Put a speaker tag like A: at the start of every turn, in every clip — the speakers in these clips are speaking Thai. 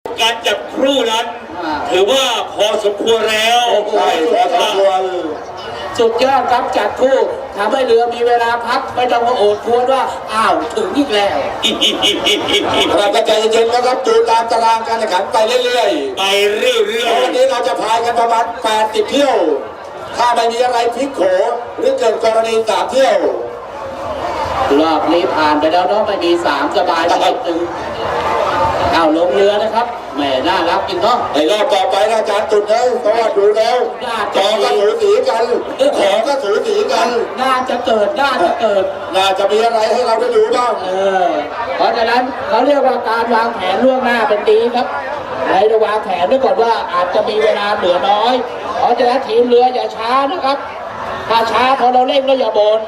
A: การจับครู่นั้นถือว่าพอสมควรแล้ว
B: ใช่พอสมควร
C: สุดยอดครับจัดคู่ทำให้เรือมีเวลาพักไม่ต้องมาโอดครวญว่าอ้าวถึงอีกแล้ว
B: เราก็ใจเย็นๆนะครับดูตามตารางการแข่งขันไปเรื่อย
A: ๆไปเรื่อย
B: ๆวันนี้เราจะพายกันประมาณ80 เที่ยวถ้าไม่มีอะไรพลิกโผหรือเกิดกรณี3 เที่ยว
C: รอบนี้ผ่านไปแล้วเนาะไม่มี3สบายนิดนึงเอาลงเรือนะครับแหมน่ารักจริงเนาะ
B: ในรอบต่อไปอาจารย์ตุ่นแล้วเพราะว่าดูแล้วจอก็สูสีกันของก็สูสีกัน
C: น่าจะเกิดน่า
B: จะมีอะไรให้เราได้ดูบ้าง
C: เพราะฉะนั้นเขาเรียกว่าการวางแผนล่วงหน้าเป็นดีครับให้เราวางแผนไว้ก่อนว่าอาจจะมีเวลาเหลือน้อยเพราะฉะนั้นทีมเรืออย่าช้านะครับถ้าช้าพอเราเร่งก็อย่าบ่น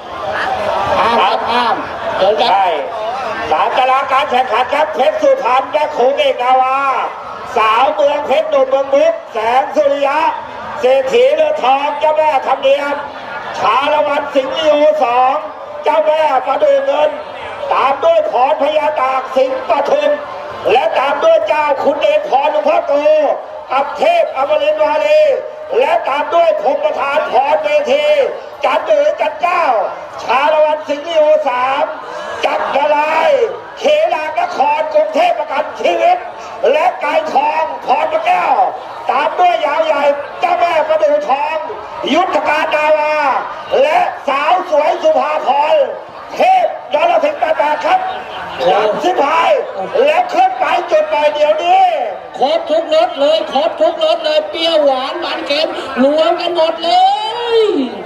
C: ห้ามเดินครับ
D: สามตารางการแข่งขันครับเพชรสุพรรณและขุงเอกนาวาสาวเมืองเพชรหนุ่มเมืองมุกแสงสุริยะเศรษฐีเรือทองเจ้าแม่คำเนียมชาละวันสิงห์ลีโอ2เจ้าแม่ประดูเงินตามด้วยพรพญาตากสิงห์ปทุมและตามด้วยเจ้าคุณเดชพรหลวงพ่อโตอับเทพอมรินทร์วาลีและตามด้วยพงประธานพรเวทีจันเดือจันเจ้าชาละวันสิงห์ลีโอ3จักรลายเขลางนครกรุงเทพประกันชีวิตและไก่ทองพรพระแก้วตามด้วยยาวใหญ่เจ้าแม่ประดูทองยุทธการดาวาและสาวสวยสุภาพรเทพยอดสิงห์88ครับจับสิพายและขึ้นไปจุดไปเดี๋ยวนี้
C: ครบทุกรสเลยเปรี้ยวหวานมันเค็มรวมกันหมดเลย